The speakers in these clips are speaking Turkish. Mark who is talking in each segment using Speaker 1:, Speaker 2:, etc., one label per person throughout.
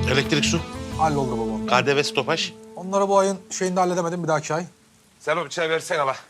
Speaker 1: Elektrik, su,
Speaker 2: Halloldu baba.
Speaker 1: KDV, stopaj.
Speaker 2: Onları bu ayın şeyinde halledemedim, bir dahaki ay.
Speaker 3: Sen o bıçağı versene bak.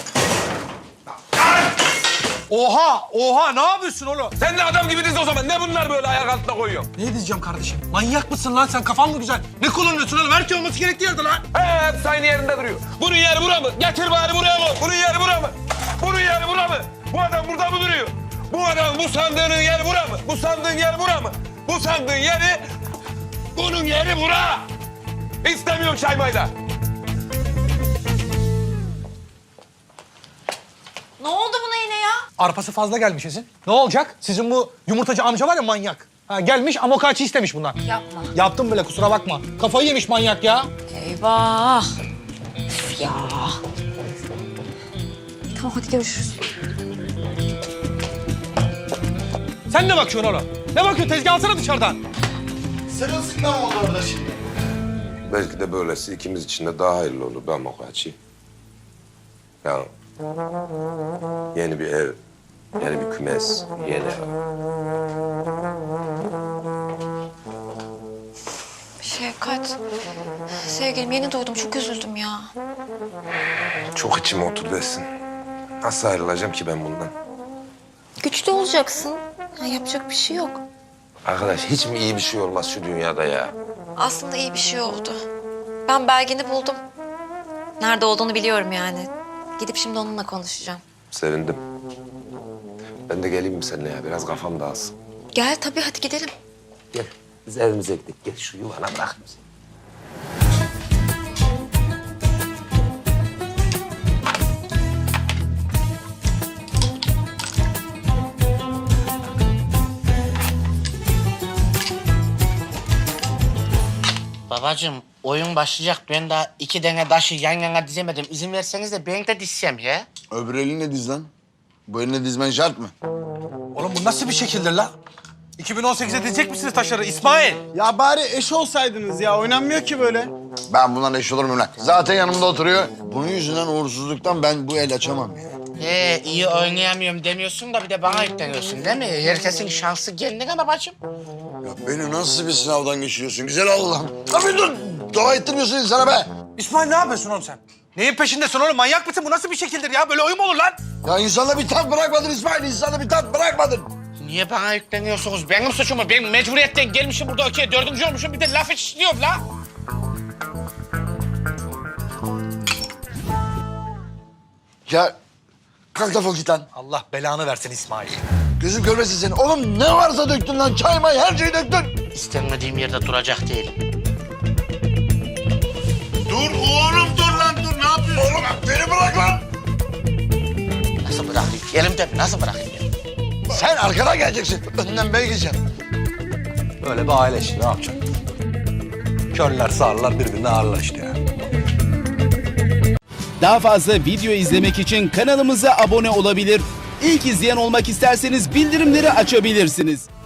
Speaker 2: Oha! Ne yapıyorsun oğlum?
Speaker 3: Sen de adam gibi diz o zaman. Ne bunlar böyle ayak altına koyuyorsun?
Speaker 2: Ne diyeceğim kardeşim? Manyak mısın lan sen? Kafan mı güzel? Ne kullanıyorsun oğlum? Her şey olması gerektiği yerde lan.
Speaker 3: Hepsi aynı yerinde duruyor. Bunun yeri bura mı? Getir bari buraya mı? Bunun yeri bura mı? Bunun yeri bura mı? Bu adam burada mı duruyor? Bu adam, bu sandığının yeri bura mı? Bu sandığın yeri bura mı? Bu sandığın yeri... Bunun yeri bura! İstemiyorum çay mayda.
Speaker 4: Ne oldu buna yine ya?
Speaker 2: Arpası fazla gelmiş Esin. Ne olacak? Sizin bu yumurtacı amca var ya, manyak. Ha, gelmiş amokaçi istemiş bundan.
Speaker 4: Yapma.
Speaker 2: Yaptım bile, kusura bakma. Kafayı yemiş manyak ya.
Speaker 4: Eyvah. Üf ya. Tamam hadi görüşürüz.
Speaker 2: Sen ne bakıyorsun oğlum? Ne bakıyorsun? Tezgah alsana dışarıdan.
Speaker 5: Sırılsıklam oldu orada şimdi.
Speaker 3: Belki de böylesi ikimiz için de daha hayırlı olur be Mokaçi. Ya yeni bir ev, yeni bir kümes, yeni
Speaker 4: Şefkat. Sevgilim yeni doğdum, çok üzüldüm ya.
Speaker 3: çok içime oturdu Esin. Nasıl ayrılacağım ki ben bundan?
Speaker 4: Güçlü olacaksın. Ya, yapacak bir şey yok.
Speaker 3: Arkadaş hiç mi iyi bir şey olmaz şu dünyada ya?
Speaker 4: Aslında iyi bir şey oldu. Ben Belgin'i buldum. Nerede olduğunu biliyorum yani. Gidip şimdi onunla konuşacağım.
Speaker 3: Sevindim. Ben de geleyim mi seninle ya? Biraz kafam dağılsın.
Speaker 4: Gel tabii, hadi gidelim.
Speaker 3: Gel. Biz evimize gidelim. Gel şu yuvana bırak bizi.
Speaker 6: Babacığım oyun başlayacak. Ben daha 2 tane taşı yan yana dizemedim. İzin verseniz de ben de dizsem ya.
Speaker 5: Öbür elinle diz lan. Bu eline dizmen şart mı?
Speaker 2: Oğlum bu nasıl bir şekildir lan? 2018'e dizecek misiniz taşları İsmail?
Speaker 7: Ya bari eş olsaydınız ya. Oynanmıyor ki böyle.
Speaker 5: Ben bundan eş olur muyum lan? Zaten yanımda oturuyor. Bunun yüzünden uğursuzluktan ben bu el açamam ya.
Speaker 6: İyi oynayamıyorum demiyorsun da bir de bana yükleniyorsun değil mi? Herkesin şansı kendine babacığım.
Speaker 5: Ya beni nasıl bir sınavdan geçiriyorsun güzel Allah'ım. Abi dur! Dua ettirmiyorsun insana be.
Speaker 2: İsmail ne yapıyorsun oğlum sen? Neyin peşindesin oğlum? Manyak mısın? Bu nasıl bir şekildir ya? Böyle oyun mu olur lan?
Speaker 5: Ya insana bir tat bırakmadın İsmail. İnsana bir tat bırakmadın.
Speaker 6: Niye bana yükleniyorsunuz? Benim suçum mu? Ben mecburiyetten gelmişim burada okey 4. olmuşum. Bir de laf işliyorum la.
Speaker 5: Ya kalk defol git lan.
Speaker 2: Allah belanı versin İsmail.
Speaker 5: Gözüm görmesin seni. Oğlum ne varsa döktün lan. Çay may her şeyi döktün.
Speaker 6: İstenmediğim yerde duracak değilim.
Speaker 5: Dur oğlum dur lan dur. Ne yapıyorsun? Oğlum beni bırak lan.
Speaker 6: Nasıl bırakayım? Elimde mi? Nasıl bırakayım ya?
Speaker 5: Sen arkadan geleceksin. Önden ben gideceğim.
Speaker 2: Böyle bir aile işi, ne yapacaksın? Körler sağırlar birbirine ağırlar işte ya.
Speaker 8: Daha fazla video izlemek için kanalımıza abone olabilir. İlk izleyen olmak isterseniz bildirimleri açabilirsiniz.